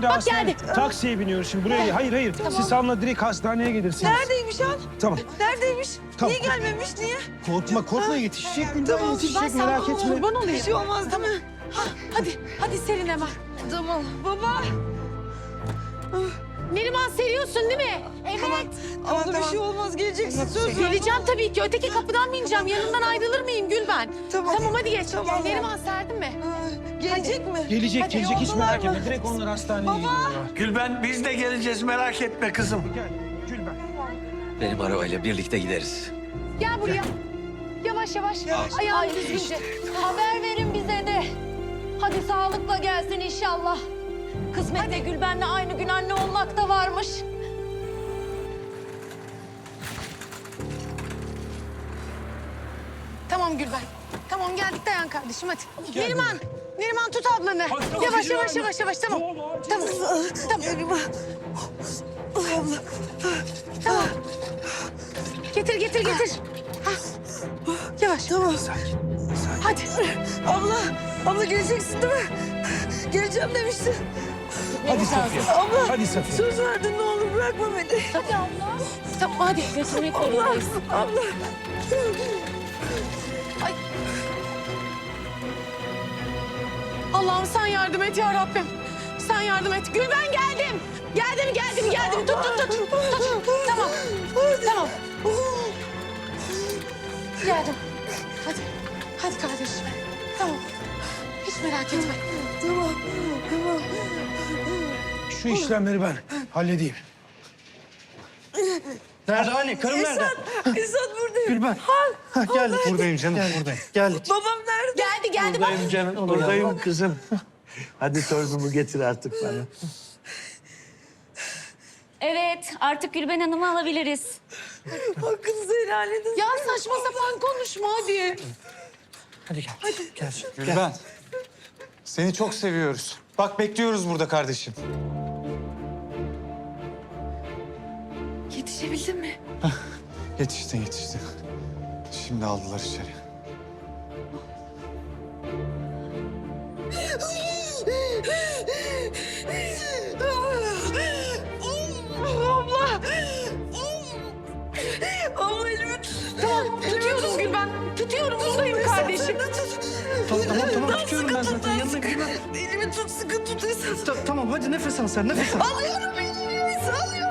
şimdi bak geldi. Taksiye biniyoruz şimdi buraya. Hayır. Tamam. Siz Hanım'la direkt hastaneye gelirsiniz. Neredeymiş Han? Tamam. Neredeymiş? Tamam. Niye gelmemiş? Niye? Korkma yetişecek Gülben, Ben yetişecek sana merak etme. kurban olayım. Bir şey olmaz değil mi? Hadi serin hemen. Tamam. Baba. Neriman seriyorsun değil mi? Evet. Abla bir şey olmaz. Geleceksin. Söz ver. Geleceğim tabii ki. Öteki kapıdan mı ineceğim? Yanından ayrılır mıyım Gülben? Tamam. Tamam hadi geç. Tamam. Gel Neriman serdin mi? Gelecek mi? Gelecek Hadi, hiç yoldalar merak mı? etme. Direkt onlar hastaneye gidiyorlar. Gülben biz de geleceğiz merak etme kızım. Gel Gülben. Benim arabayla birlikte gideriz. Gel buraya. Yavaş. Ayağını düzgünce. Haber verin bize de. Hadi sağlıkla gelsin inşallah. Kısmette Gülben'le aynı gün anne olmak da varmış. Tamam Gülben. Tamam geldik dayan kardeşim hadi. Neriman tut ablanı. Hadi, Yavaş hadi, tamam. Ne oldu? Tamam. Neriman. Abla. Tamam. Getir. Hah. Yavaş. Tamam. Hadi. Abla geleceksin değil mi? Geleceğim demiştin. Hadi Safiye. Abla. Hadi Safiye. Söz verdin ne olur bırakma beni. Hadi abla. Tamam hadi. Götürmek Abla. zorundayız. Abla. Allah'ım sen yardım et ya Rabbim. Sen yardım et. Gülben geldim. Geldim. Tut. Tamam. Geldim. Hadi kardeşim. Tamam. Hiç merak etme. Tamam. Şu işlemleri ben halledeyim. Nerede anne? Karım nerede? İsat buradayım. Gülben. Ha, geldik. Buradayım canım, buradayım. Geldik. Babam nerede? Geldi bak. Buradayım canım, buradayım kızım. Hadi torunumu getir artık bana. Evet artık Gülben Hanım'ı alabiliriz. Hakkınızı helal edin. Ya saçma sapan konuşma hadi. Hadi gel. Gel. Gülben. Seni çok seviyoruz. Bak bekliyoruz burada kardeşim. Yetişebildin mi? Yetiştin. Şimdi aldılar içeri. Abla. Abla elimi tut. Tamam tutuyoruz Gülben. Tutuyorum buradayım kardeşim. Tamam tutuyorum ben zaten. Yanına Gülben. Elimi tut sıkı tut Esat. Tamam hadi nefes al sen nefes al. Alıyorum elimi. Alıyorum.